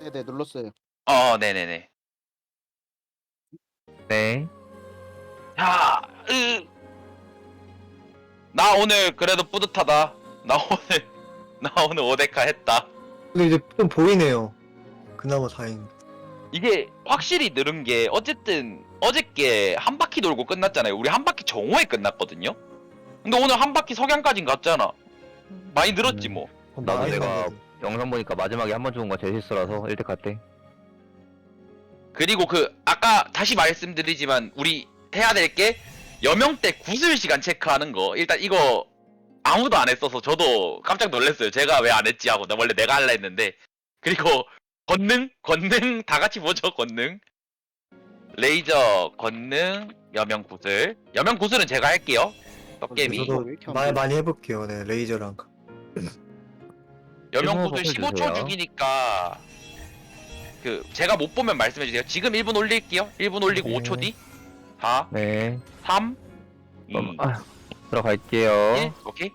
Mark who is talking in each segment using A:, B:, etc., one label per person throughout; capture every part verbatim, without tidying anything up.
A: 네네 눌렀어요.
B: 어 네네네.
C: 네.
B: 야, 으. 나 오늘 그래도 뿌듯하다. 나 오늘 나 오늘 오데카 했다.
D: 근데 이제 좀 보이네요. 그나마 다행.
B: 이게 확실히 늘은 게 어쨌든 어저께 한 바퀴 돌고 끝났잖아요. 우리 한 바퀴 정오에 끝났거든요. 근데 오늘 한 바퀴 석양까진 갔잖아. 많이 늘었지
C: 음.
B: 뭐.
C: 나도
D: 많이
C: 내가
D: 상대도.
C: 영상 보니까 마지막에 한 번 죽은 거 제 실수라서 일 대 갔대.
B: 그리고 그 아까 다시 말씀드리지만 우리 해야 될 게 여명 때 구슬 시간 체크하는 거. 일단 이거 아무도 안 했어서 저도 깜짝 놀랐어요. 제가 왜 안 했지 하고 나 원래 내가 할라 했는데. 그리고 권능 권능 다 같이 보죠. 권능 레이저 권능 여명 구슬 여명 구슬은 제가 할게요. 떡개비
A: 저도-
D: 저도
A: 왜 이렇게 안
D: 말
A: 보여?
D: 많이 해볼게요. 네, 레이저랑.
B: 여명
C: 일본어
B: 구슬
C: 버튼
B: 십오 초
C: 주세요.
B: 죽이니까 그 제가 못 보면 말씀해 주세요. 지금 일 분 올릴게요. 일 분 올리고
D: 네.
B: 오 초 뒤 사
C: 네.
B: 삼 이
C: 그럼, 아, 들어갈게요.
B: 일 오케이.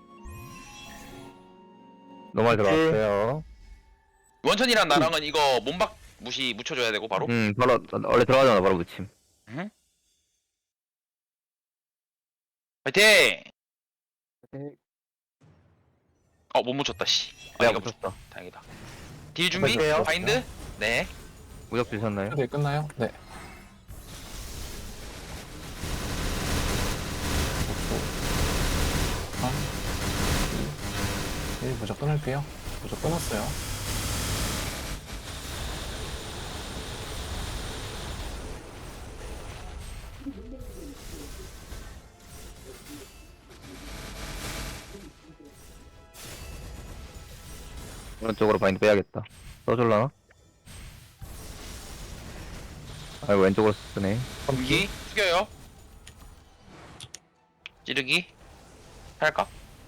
C: 노말 들어왔어요.
B: 원천이랑 나랑은 이거 몸박 무시 묻혀줘야 되고 바로.
C: 음, 바로, 원래 들어가자마자 바로 붙임.
B: 파이팅!
A: 네.
B: 어, 못 묻혔다, 씨. 아,
C: 내가
B: 이거
C: 붙였어.
B: 다행이다. 딜 준비?
D: 붙을게요.
B: 바인드? 네.
C: 무적 주셨나요?
E: 네, 끝나요? 네. 오, 삼, 이, 일, 무적 끊을게요. 무적 끊었어요.
C: 오른쪽으로 바인드 빼야겠다. 써줄라나? 아이고, 왼쪽으로 쓰네.
B: 검기? 숙여요. 찌르기? 할까?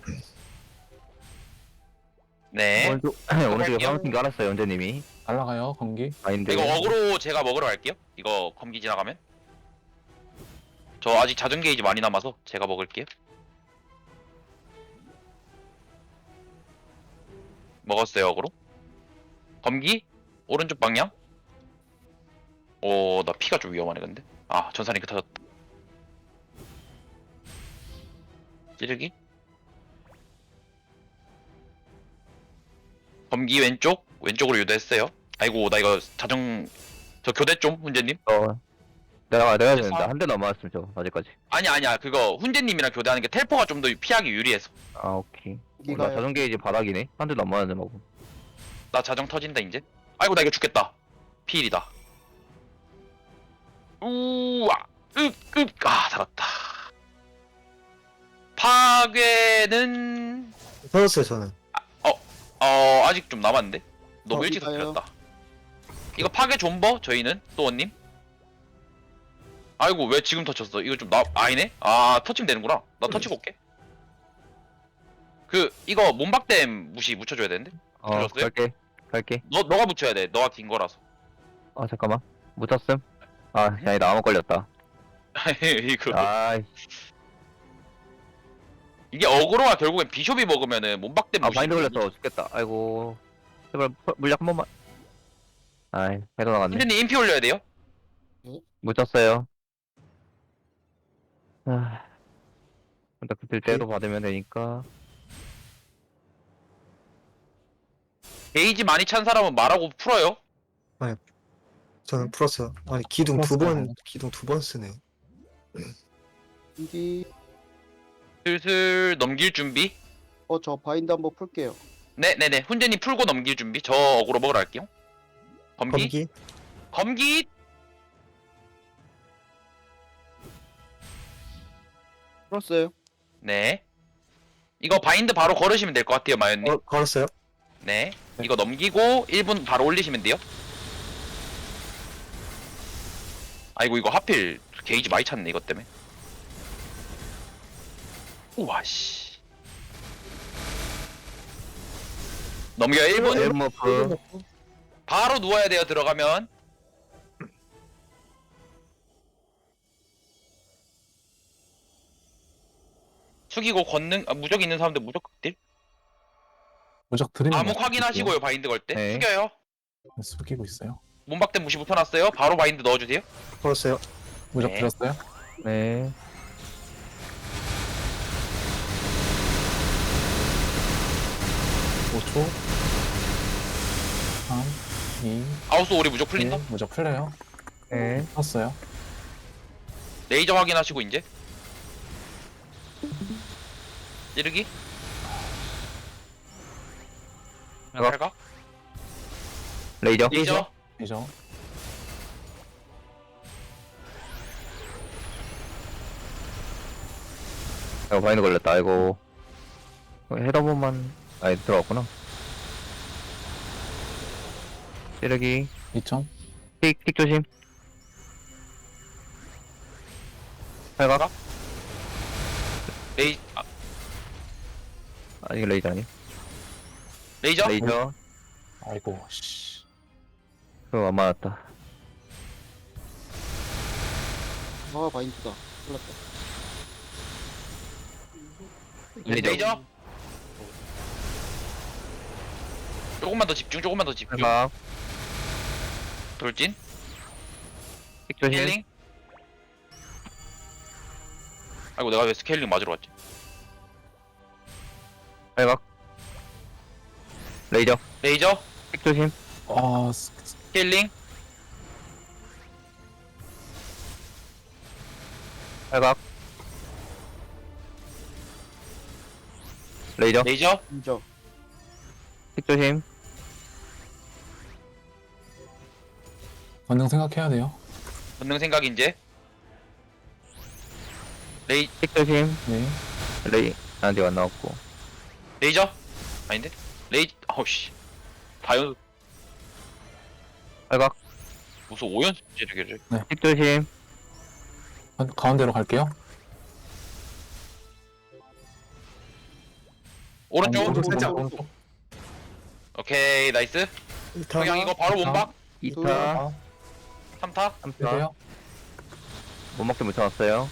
B: 네.
C: 오른쪽, 오른쪽에
B: 할게요.
C: 파운틴 깔았어요, 연재님이.
E: 날라가요, 검기.
C: 바인드.
B: 이거 어그로 제가 먹으러 갈게요. 이거 검기 지나가면. 저 아직 자전 게이지 많이 남아서 제가 먹을게요. 먹었어요, 어그로. 검기? 오른쪽 방향? 오, 나 피가 좀 위험하네, 근데. 아, 전사링크 터졌다. 찌르기? 검기 왼쪽? 왼쪽으로 유도했어요. 아이고, 나 이거 자정, 저 교대 좀, 훈제님?
C: 어, 내가, 내가
B: 이제
C: 되는데,
B: 사-
C: 한 대 넘어왔으면 저, 아직까지.
B: 아니, 아니야. 그거, 훈제님이랑 교대하는 게 텔포가 좀 더 피하기 유리해서.
C: 아, 오케이. 어, 나
A: 여기가요.
C: 자전 게이지 바닥이네? 한 대 넘어왔는데, 뭐.
B: 나 자정 터진다, 이제. 아이고, 나 이거 죽겠다. 피일이다. 우와, 윽, 윽, 아, 살았다. 파괴는,
D: 터졌어요, 저는.
B: 어, 아직 좀 남았는데? 너무
A: 어,
B: 일찍
A: 이거요?
B: 터뜨렸다. 이거 파괴 존버? 저희는? 또원님? 아이고, 왜 지금 터쳤어? 이거 좀 나, 아니네? 아, 터치면 되는구나. 나 터치고 올게. 그, 이거 몸박댐 무시 묻혀줘야 되는데?
C: 어,
B: 들었어요?
C: 갈게. 갈게.
B: 너, 너가 묻혀야 돼. 너가 긴 거라서.
C: 아, 잠깐만. 묻혔음? 아, 아니다, 아무 걸렸다.
B: 이거.
C: 아이,
B: 이게 어그로가 결국엔 비숍이 먹으면은 몸박댐
C: 아,
B: 무시.
C: 바인드 걸렸어. 죽겠다. 아이고. 제발, 물- 물약 한 번만. 아이, 해도 나갔네.
B: 훈제님 인피 올려야 돼요?
C: 묻혔어요. 아, 일단 그들 때로 받으면 되니까.
B: 게이지 많이 찬 사람은 말하고 풀어요.
D: 저는 풀었어요. 아니, 기둥 두
E: 풀었어요.
D: 번, 기둥 두 번 쓰네.
A: 여기
B: 슬슬 넘길 준비.
A: 어저 바인드 한번 풀게요.
B: 네네네. 훈제님 풀고 넘길 준비. 저 어그로 먹으러 갈게요. 검기?
D: 검기?
B: 검기?
A: 풀었어요.
B: 네. 이거 바인드 바로 걸으시면 될 것 같아요, 마연님.
D: 어, 걸었어요?
B: 네. 이거 넘기고 일 분 바로 올리시면 돼요. 아이고, 이거 하필 게이지 많이 찼네, 이것 때문에. 우와, 씨. 넘겨요, 일 분.
C: 엘머프.
B: 바로 누워야 돼요, 들어가면. 숙이고 권능, 아, 무적 있는 사람들 무적 극딜?
E: 무적 드리는
B: 암흑
E: 거
B: 확인하시고요, 바인드 걸 때.
C: 네.
B: 숙여요.
E: 숙이고 있어요.
B: 문박대 무시 붙여놨어요. 바로 바인드 넣어주세요.
D: 풀었어요.
E: 무적
B: 네.
E: 들었어요?
C: 네.
E: 오 초. 삼, 이,
B: 아우스 오리 무적 풀린다.
E: 일. 무적 풀려요.
C: 네.
E: 풀었어요.
B: 레이저 확인하시고 이제 찌르기
C: 팔각.
B: 팔각
C: 레이저.
B: 레이저
E: 이죠.
C: 이거 바인드 걸렸다. 아이고. 헤더본만 아예 들어갔구나. 찌르기.
E: 이천.
C: 틱, 틱 조심. 팔각.
B: 레이 아,
C: 아, 이게 레이저 아니?
B: 레이저
C: 레이저.
E: 아이고 씨.
C: 그거 안 맞았다.
A: 아 바인드다. 풀렸다.
C: 레이저.
B: 레이저 조금만 더 집중 조금만 더 집중
C: 팔각.
B: 돌진
C: 틱 조심.
B: 스케일링 아이고 내가 왜 스케일링 맞으러 왔지
C: 팔각. 레이저.
B: 레이저
C: 틱 조심.
E: 아 스-
B: 스케일링
C: 팔각. 레이저.
B: 레이저
A: 인정.
C: 틱 조심.
E: 권능 생각해야 돼요.
B: 본능 생각 이제 레이
C: 틱 조심.
E: 네.
C: 레이. 아직 안 나왔고.
B: 레이저 아닌데 레이 아우씨 다연
C: 팔각.
B: 무슨 오연승 찌르기를
C: 틱 조심.
E: 가- 가운데로 갈게요.
B: 오른쪽
E: 오른쪽
A: 살짝
E: 오른쪽.
B: 오케이 나이스 그냥 이거 바로 몸박
C: 이 타.
E: 아,
B: 삼 타
C: 삼 타.
E: 되세요?
C: 못 먹게 묻혀놨어요.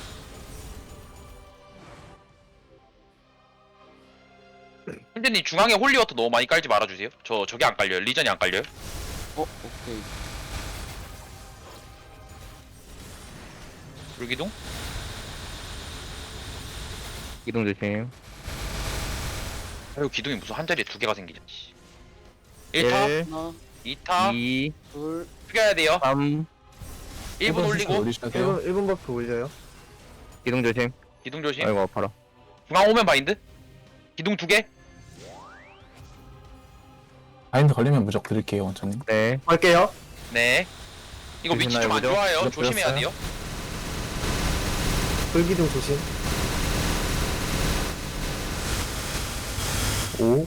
B: 힘드님 중앙에 홀리워터 너무 많이 깔지 말아주세요 저 저게 안 깔려요 리전이 안 깔려요
A: 어 오케이.
B: 불기둥
C: 이동 조심.
B: 아이고 기둥이 무슨 한 자리에 두 개가 생기지 일 타
C: 일,
A: 하나,
B: 이 타
C: 이,
A: 둘,
B: 숙여야 돼요
C: 삼.
B: 일 분 올리고
E: 올리셔야 돼요.
D: 일 분 버프 올려요.
C: 이동 조심.
B: 기둥 조심
C: 아이고 아파라.
B: 중앙 오면 바인드 기둥 두개
E: 바인드 걸리면 무적 드릴게요, 원천님.
C: 네.
D: 갈게요.
B: 네 이거 위치 좀 안
C: 조심하여
B: 좋아요
E: 보죠.
B: 조심해야 돼요
D: 불기둥 조심.
E: 오,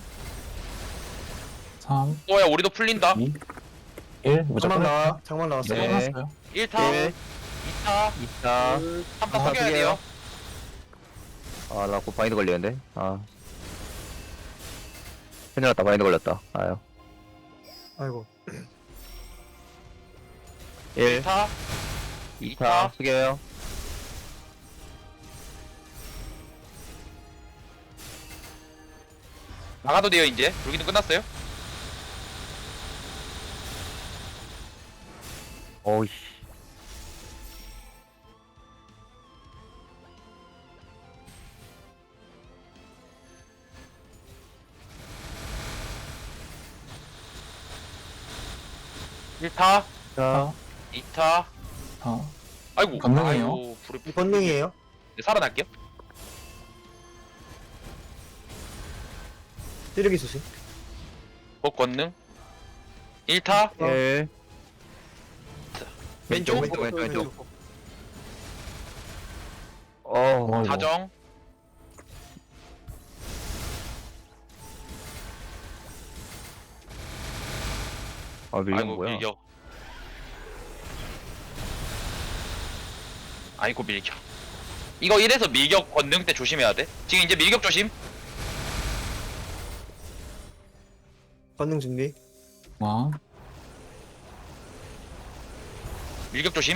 E: 삼,
B: 또야 우리도 풀린다
E: 이, 일. 무적
D: 장만
E: 끝났어요.
D: 나와. 장만 나왔어요.
C: 네.
E: 끝났어요.
B: 일 타
C: 일,
B: 이 타
C: 이 타.
A: 둘,
B: 삼 타
C: 아,
B: 숙여야
C: 숙여요.
B: 돼요
C: 아, 나 곧 바인드 걸리는데. 아. 큰일 났다. 바인드 걸렸다. 아유.
D: 아이고.
C: 일,
B: 일 타
C: 이 타. 숙여요.
B: 나가도 돼요 이제 불기둥 끝났어요
C: 어이씨.
B: 일 타
C: 자,
B: 이 타
E: 아,
B: 아이고
E: 건능이에요.
B: 아이고 불이
D: 권능이에요.
B: 네, 살아날게요
D: 찌르기 조심.
B: 법 권능 일 타
D: 어.
C: 일.
B: 왼쪽
C: 왼쪽, 왼쪽, 왼쪽.
A: 왼쪽.
C: 어,
E: 어이구.
B: 자정
C: 아, 밀린
B: 아이고
C: 뭐야?
B: 밀격 아이고 밀격 이거 이래서 밀격 권능 때 조심해야 돼 지금 이제 밀격 조심
D: 권능 준비.
E: 와,
B: 밀격 조심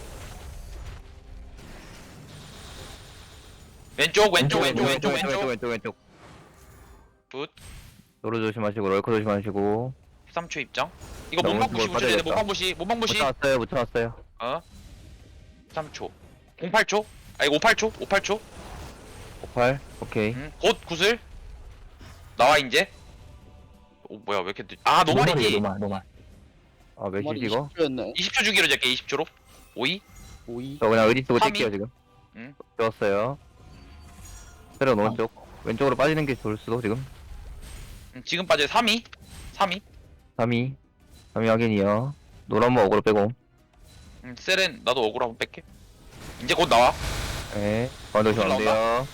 B: 왼쪽 왼쪽 왼쪽 왼쪽
C: 왼쪽,
B: 왼쪽
C: 왼쪽, 왼쪽.
B: 굿
C: 노루 조심하시고, 럴커 조심하시고.
B: 십삼 초 입장 이거
C: 너무
B: 몸방 부시
C: 뭘
B: 우주대
C: 빠져야겠다.
B: 몸방 부시 몸방 부시
C: 묻혀놨어요 묻혀놨어요.
B: 어 삼 초 공팔 초 아니 오팔 초 오팔 초
C: 오팔 오케이.
B: 음, 곧 구슬 나와 이제 오 뭐야 왜 이렇게 늦... 아
E: 노말이에요,
B: 노말이지
E: 노말, 노말.
C: 아 몇시
A: 머리
C: 이거?
A: 이십 초였네.
B: 이십 초 주기로 잡게 이십 초로 오이
A: 오이.
C: 저 그냥 의지 쓰고
B: 삼이?
C: 뛸게요 지금.
B: 응.
C: 좋았어요. 때려 오른쪽. 왼쪽으로 빠지는 게 좋을 수도 지금.
B: 음, 지금 빠져 삼이 삼이
C: 삼이 삼이 확인이요. 노란 모 어그로 빼고.
B: 음, 세렌 나도 억울 한번 뺄게 이제 곧 나와
C: 네. 가운데 오시면 안
B: 나온다?
C: 돼요.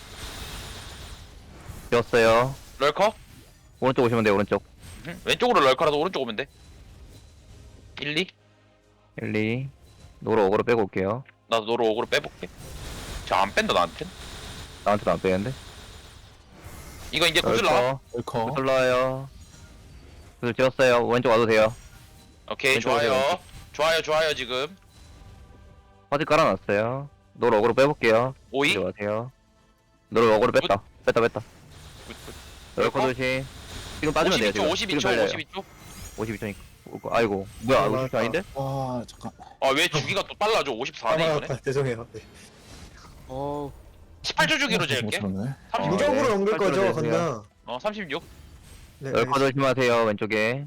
C: 되었어요.
B: 럴커
C: 오른쪽 오시면 돼요 오른쪽.
B: 음, 왼쪽으로 럴커라도 오른쪽 오면 돼 일, 이
C: 일, 이. 노로 어그로 빼고 올게요.
B: 나도 너로 억울로 빼볼게 저 안 뺀다 나한텐
C: 나한테도 안 빼는데.
B: 이거 이제 구슬 나와
E: 웰커.
C: 구슬 나와요. 구슬 지었어요. 왼쪽 와도 돼요.
B: 오케이
C: 왼쪽으로
B: 좋아요
C: 왼쪽.
B: 좋아요 좋아요 지금
C: 화질 깔아놨어요. 노로 어그로 빼볼게요.
B: 오이
C: 이리 와세요. 노로 어그로 뺐다. 뺐다 뺐다. 럴커 조심. 지금 빠지면 돼요 지금.
B: 오십이 초
C: 지금 달려요.
B: 오십이 초
C: 오십이 초니까. 아이고 뭐야 오십이 초 아닌데?
E: 와, 잠깐.
B: 아 왜 주기가 또 빨라져 오십사 네 이거네
D: 아, 죄송해요. 네.
A: 어.
B: 십팔 초 주기로
E: 못
B: 재울게
E: 들었네.
C: 어,
D: 무적으로
C: 네.
D: 넘길 거죠,
C: 팔 초로
D: 건너.
B: 어 삼십육
D: 네.
C: 럴커 조심하세요 왼쪽에.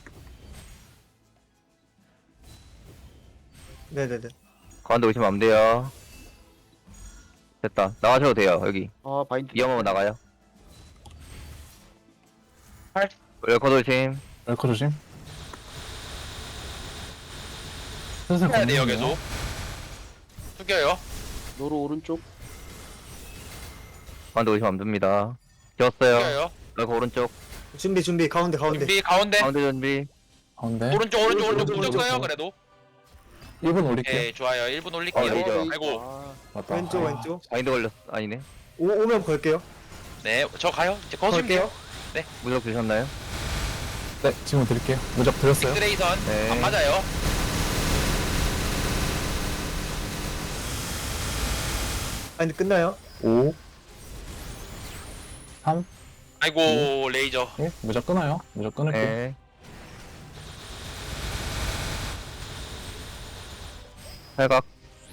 D: 네네네.
C: 가운데 오시면 안 돼요. 됐다. 나가셔도 돼요 여기.
A: 아 바인드.
C: 위험하면 나가요.
B: 팔.
C: 럴커 조심.
E: 웰커 조심. 슬슬
B: 해야 돼요
E: 걷는데요?
B: 계속 숙여요
A: 노루 오른쪽.
C: 가운데 오시면 안 됩니다. 지었어요.
B: 숙여요
C: 럴커 오른쪽.
D: 준비, 준비. 가운데, 가운데.
B: 준비 가운데
C: 가운데 준비.
E: 가운데.
B: 오른쪽 오른쪽 오른쪽
D: 오른쪽,
B: 무적 써요
D: 오른쪽.
B: 그래도
E: 일 분 올릴게요.
B: 오케이 좋아요 일 분
C: 어,
B: 올릴게요
C: 레이저.
B: 아이고
A: 아,
E: 맞다.
D: 왼쪽,
E: 아,
D: 왼쪽.
C: 마인드 걸렸. 아니네.
D: 오, 오면 걸게요.
B: 네 저 가요 이제 거시면 돼요
D: 걸게요.
C: 무적 주셨나요?
E: 네, 지금 드릴게요. 무적 드렸어요.
B: 엑스레이선
C: 네.
B: 안 맞아요
D: 아니, 끝나요?
E: 오, 삼,
B: 아이고 레이저
E: 일. 무적 끊어요. 무적 끊을게요.
C: 네. 팔각.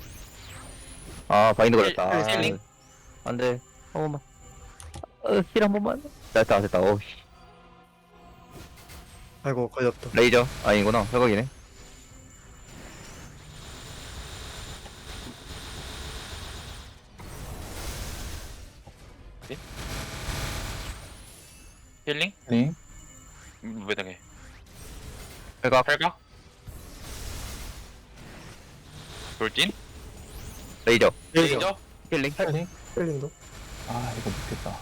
C: 아 바인드 걸렸다. 아,
B: 힐링?
C: 안돼. 한 번만. 어, 힐한 번만. 됐다 됐다. 오씨.
D: 아이고, 걸렸다.
C: 레이저 아니구나. 팔각이네.
B: 힐링
E: 네.
B: 음, 왜 당해
C: 팔각.
B: 팔각 돌진
C: 레이저.
D: 레이저.
B: 레이저
C: 힐링.
E: 헬링.
D: 힐링도.
E: 아, 이거 못겠다.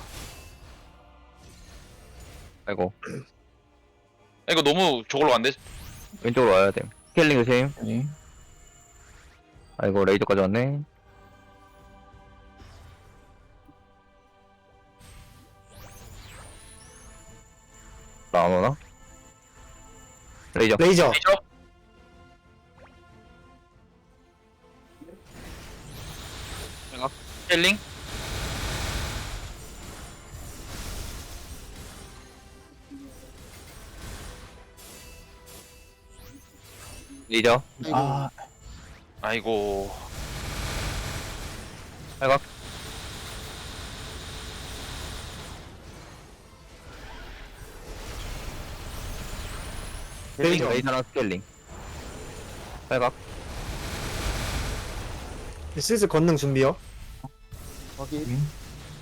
C: 아이고.
B: 이거 너무 저걸로 안 돼.
C: 왼쪽으로 와야 돼. 힐링 조심.
E: 헬링.
C: 아이고 레이저까지 왔네. 나 안 오나? 레이저.
D: 레이저.
B: 레이저 힐링
C: 레이저.
A: 아이고.
E: 아,
B: 아이고
C: 팔각.
D: 레이저.
C: 레이저랑 스케일링. 팔각.
D: 슬슬 건능 준비요.
A: 확인.
E: 음.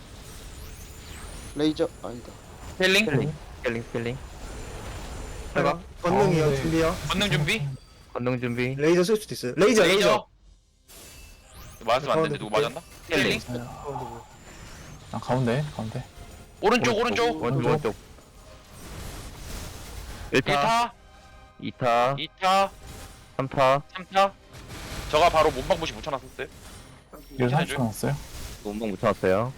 A: 레이저 아니다.
B: 힐링
C: 스케일링. 스케일링 스케일링. 팔각.
D: 건능이요,
E: 가운데.
D: 준비요.
B: 권능 준비
C: 건능 준비.
D: 레이저 쓸 수도 있어요. 레이저, 레이저.
B: 레이저 맞으면 안 되는데 누구 맞았나? 힐링
D: 가운데 보고.
E: 아, 가운데, 가운데.
B: 오른쪽 오른쪽
C: 오른쪽
E: 오른쪽.
C: 오른쪽. 일 타.
B: 일 타
C: 이 타.
B: 이 타
C: 삼 타.
B: 삼 타 저가 바로 몸방부시 붙여놨었어요
E: 일 삼십 초 남았어요.
C: 운동 붙여놨어요.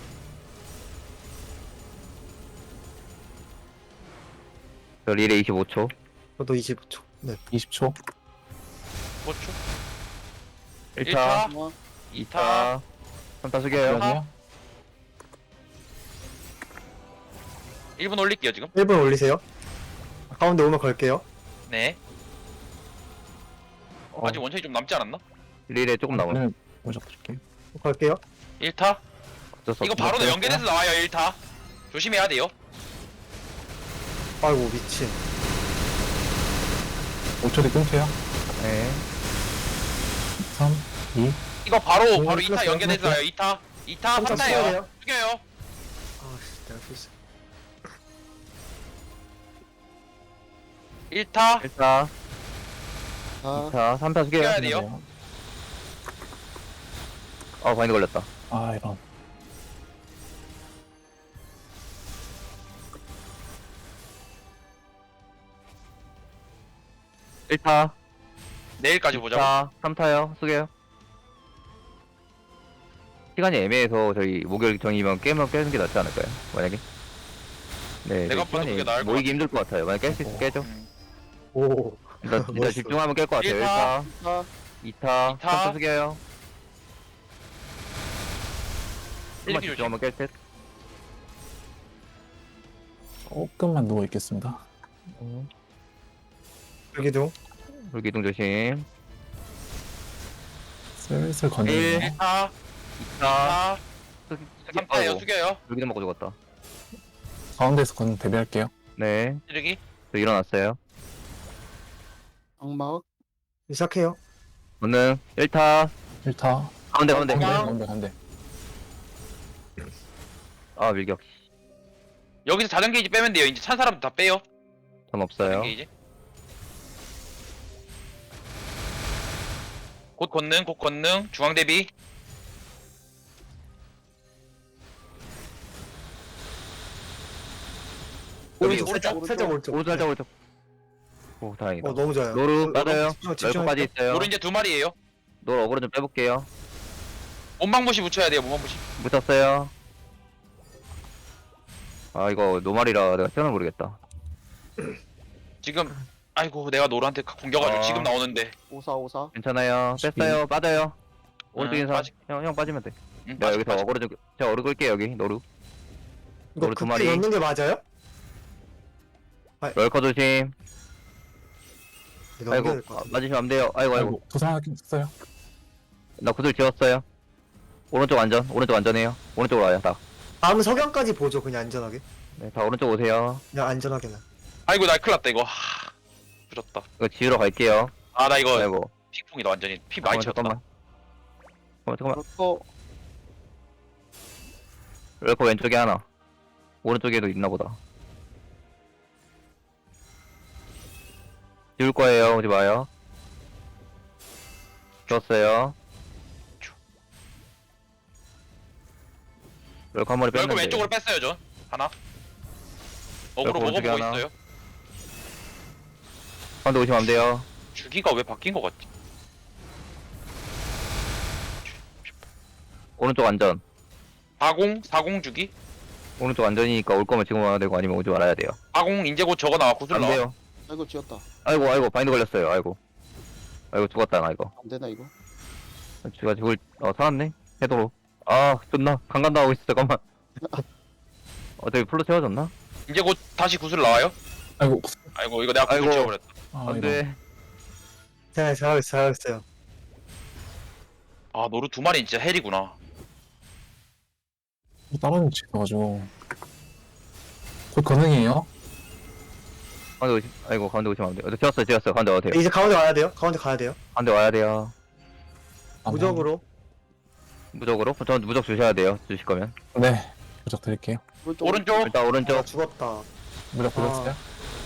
C: 저 릴에 이십오 초.
D: 저도 이십오 초. 네.
E: 이십 초.
B: 오 초
C: 일
B: 일
C: 타.
B: 타
A: 어,
C: 이 타. 삼 타 숙여요.
E: 여기요.
B: 일 분 올릴게요 지금
D: 일 분 올리세요. 가운데 오면 걸게요.
B: 네
C: 어,
B: 아직 원천이 좀 남지 않았나?
C: 릴에 조금 남아.
E: 그러면 무적 드릴게요.
D: 갈게요.
B: 일 타?
C: 어쩔 수
B: 이거
C: 없어.
B: 바로
E: 네,
B: 연계돼서 나와요 일 타. 조심해야 돼요.
D: 아이고 미친.
E: 오 초 뒤 끊게요.
C: 네.
E: 삼, 이.
B: 이거 바로
D: 오,
B: 바로 이 타
D: 끊었어요,
B: 연계돼서
D: 끊었어요.
B: 나와요 이 타. 이 타
D: 혼자
B: 삼
D: 써야
B: 타예요.
D: 돼요.
B: 숙여요.
D: 아씨 내가 실수.
B: 일 타.
C: 일 타,
A: 아,
C: 이 타, 삼 타 숙여요.
B: 숙여야 돼요.
C: 어, 바인드 걸렸다.
E: 아, 이런.
C: 일 타,
B: 내일까지
C: 이
B: 보자고.
C: 타, 삼 타요. 숙여요. 시간이 애매해서 저희 목요일 정이면 깨면 깨는 게 낫지 않을까요? 만약에. 네,
B: 내가
C: 저희
B: 봐도 그게 나을 것
C: 모이기 힘들 것 같아요. 만약 깰 수 있으면 깨죠.
B: 음.
D: 오.
C: 일단, 일단
D: 멋있어.
C: 집중하면 깰 것 같아요.
B: 일
C: 일
B: 타.
C: 타,
A: 아,
C: 이 타,
B: 이 타.
C: 삼 타 숙여요. 좀만
B: 일기 조심.
C: 집중하면 깰 듯.
E: 조금만 누워 있겠습니다.
D: 여기도.
C: 불기둥 조심.
E: 슬슬
C: 일.
E: 건드리네요.
B: 일 타.
C: 이
B: 이
C: 타,
B: 타.
C: 숙- 숙여.
B: 삼 타예요
C: 아이고,
B: 숙여요.
C: 불기둥 먹고 죽었다.
E: 가운데에서 건 대비할게요.
C: 네,
B: 찌르기.
C: 저 일어났어요.
A: 악막.
D: 시작해요.
C: 오늘 일 타,
E: 일 타.
C: 가운데, 가운데.
E: 가운데,
B: 그냥-
E: 가운데, 가운데.
C: 아, 밀격.
B: 여기서 자전 게이지 빼면 돼요. 이제 찬 사람 다 빼요.
C: 전
B: 자전
C: 없어요.
B: 게이지. 곧 권능, 곧 권능. 중앙 대비.
D: 오른쪽
B: 오른쪽,
D: 살짝
A: 오른쪽.
D: 살짝 오른쪽.
C: 오른쪽, 살짝 오른쪽. 오, 다행이다.
D: 어 너무 좋아요.
C: 노루
D: 어,
C: 빠져요.
D: 집중, 집중할게요.
C: 럴커까지 있어요.
B: 노루 이제 두 마리예요.
C: 노루 어그로 좀 빼볼게요.
B: 몸방부시 붙여야 돼요. 몸방부시.
C: 묻혔어요. 아, 이거 노말이라 내가 시간을 모르겠다.
B: 지금 아이고 내가 노루한테 공격하죠.
C: 아.
B: 지금 나오는데.
A: 오사, 오사.
C: 괜찮아요. 뺐어요. 빠져요. 오른쪽
B: 응,
C: 인사.
B: 빠지-
C: 형, 형 빠지면 돼.
B: 응,
C: 내가
B: 빠지-
C: 여기서
B: 빠지.
C: 어그로 좀, 제가 어그로 끌게요, 여기. 노루.
D: 이거
C: 노루 두
D: 극딜
C: 마리.
D: 넣는 게 맞아요?
C: 럴커 조심.
D: 이거
C: 아이고,
D: 넘겨야 될것
C: 아,
D: 같아.
C: 맞으시면 안 돼요. 아이고, 아이고.
E: 아이고, 부상하긴 했어요.
C: 나 구슬 지웠어요. 오른쪽 안전. 오른쪽 안전해요. 오른쪽으로 와요, 다.
D: 다음 석양까지 보죠. 그냥 안전하게.
C: 네, 다 오른쪽 오세요.
D: 그냥 안전하게는.
B: 아이고 나 큰일 났다 이거. 하... 부졌다.
C: 이거 지우러 갈게요.
B: 아 나 이거
C: 아이고.
B: 핑퐁이다 완전히. 피 많이
C: 잠깐만,
B: 쳤다.
C: 잠깐만. 잠깐만, 잠깐만.
A: 럴커.
C: 럴커 왼쪽에 하나. 오른쪽에도 있나 보다. 지울 거예요. 오지 마요. 지웠어요. 럴커 한 마리
B: 럴커
C: 뺐는데.
B: 왼쪽으로 뺐어요 저. 하나. 어그로
C: 럴커 왼쪽에
B: 먹어보고
C: 하나.
B: 있어요.
C: 가운데 오시면 안 돼요.
B: 주기가 왜 바뀐 것 같지?
C: 오른쪽 안전.
B: 사공 사공 주기.
C: 오른쪽 안전이니까 올 거면 지금 와야 되고 아니면 오지 말아야 돼요.
B: 사공 이제 곧 저거 나와 구슬
C: 안
B: 나와.
C: 돼요.
A: 아이고, 지었다.
C: 아이고, 아이고, 바인드 걸렸어요. 아이고. 아이고, 죽었다, 나 이거.
A: 안 되나, 이거?
C: 쥐가 죽을, 어, 살았네? 해도로. 아, 존나. 강간도 하고 있어, 잠깐만. 어, 저기 풀로 채워졌나?
B: 이제 곧 다시 구슬 나와요.
E: 아이고,
B: 아이고 이거 내가 구슬
C: 아이고.
B: 지워버렸다.
E: 아,
C: 안
E: 이런.
C: 돼.
D: 네, 잘하고 있어요. 잘하고 있어요.
B: 아 노루 두 마리 진짜 헬이구나.
E: 다른 집 있어가지고. 곧 건능이에요.
C: 가운데 오시, 아이고, 가운데 오시면 안 돼요. 저 지웠어요, 지웠어요. 가운데 와도 돼요.
D: 이제 가운데 와야 돼요. 가운데 가야 돼요.
C: 가운데 와야 돼요.
E: 아,
D: 무적으로.
C: 무적으로? 전 무적 주셔야 돼요, 주실 거면.
E: 네. 무적 드릴게요.
A: 오른쪽.
B: 오른쪽.
C: 일단
D: 아,
C: 오른쪽.
D: 죽었다.
E: 무적 보셨어요?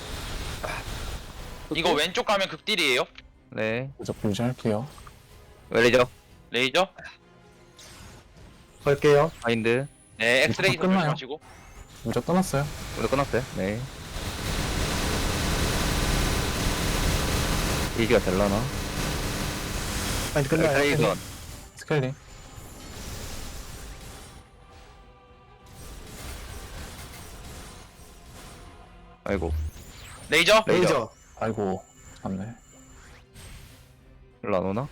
B: 이거 왼쪽 가면 극딜이에요.
C: 네.
E: 무적 유지할게요.
C: 웰리죠?
B: 레이저.
D: 걸게요.
C: 바인드.
B: 네 엑스레이
E: 이거 끝나요?
B: 조심하시고.
E: 무적 떠났어요.
C: 오늘 끝났어요. 네. 이지가 될라나?
D: 아니 끝나요.
C: 레이전.
E: 스케일링.
C: 아이고.
B: 레이저.
C: 레이저.
D: 레이저.
E: 아이고, 맞네.
C: 일로 안 오나?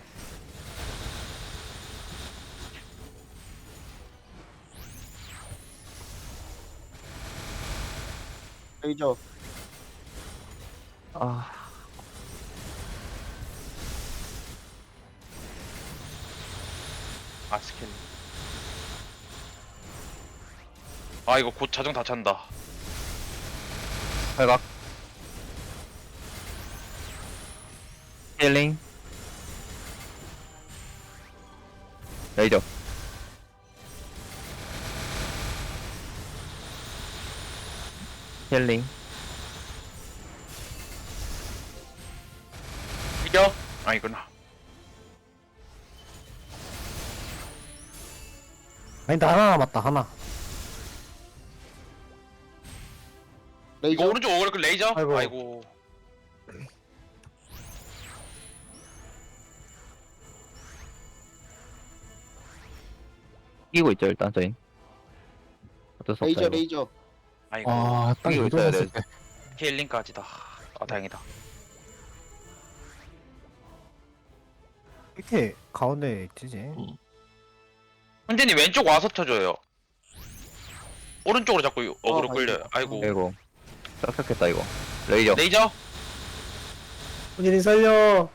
A: 레이저.
C: 아.
B: 아 스킬. 아 이거 곧 자정 다 찬다.
C: 팔각. 힐링. 레이저. 힐링.
B: 이겨? 아니구나.
F: 아니 나 하나 남았다 하나.
B: 이거
A: 레이저.
B: 오른쪽 오그그 레이저?
F: 아이고.
B: 아이고.
C: 이기고 있죠 일단 저희. 어쩔 수 없다
A: 레이저
C: 이거.
A: 레이저.
B: 아이고.
E: 아딱
C: 이기고 있어야 돼.
E: 이동했을 때
B: 힐링까지다. 아 다행이다.
F: 이렇게 가운데 있지.
B: 훈제님 왼쪽 와서 쳐줘요. 오른쪽으로 자꾸 어그로
A: 아,
B: 끌려요. 아이고.
C: 아이고. 짝짝했다 이거. 레이저.
B: 레이저?
F: 훈이님 살려.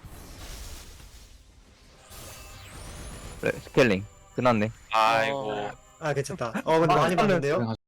C: 레, 스케일링. 끝났네.
B: 아이고.
D: 아 괜찮다. 어 근데 많이 봤는데요?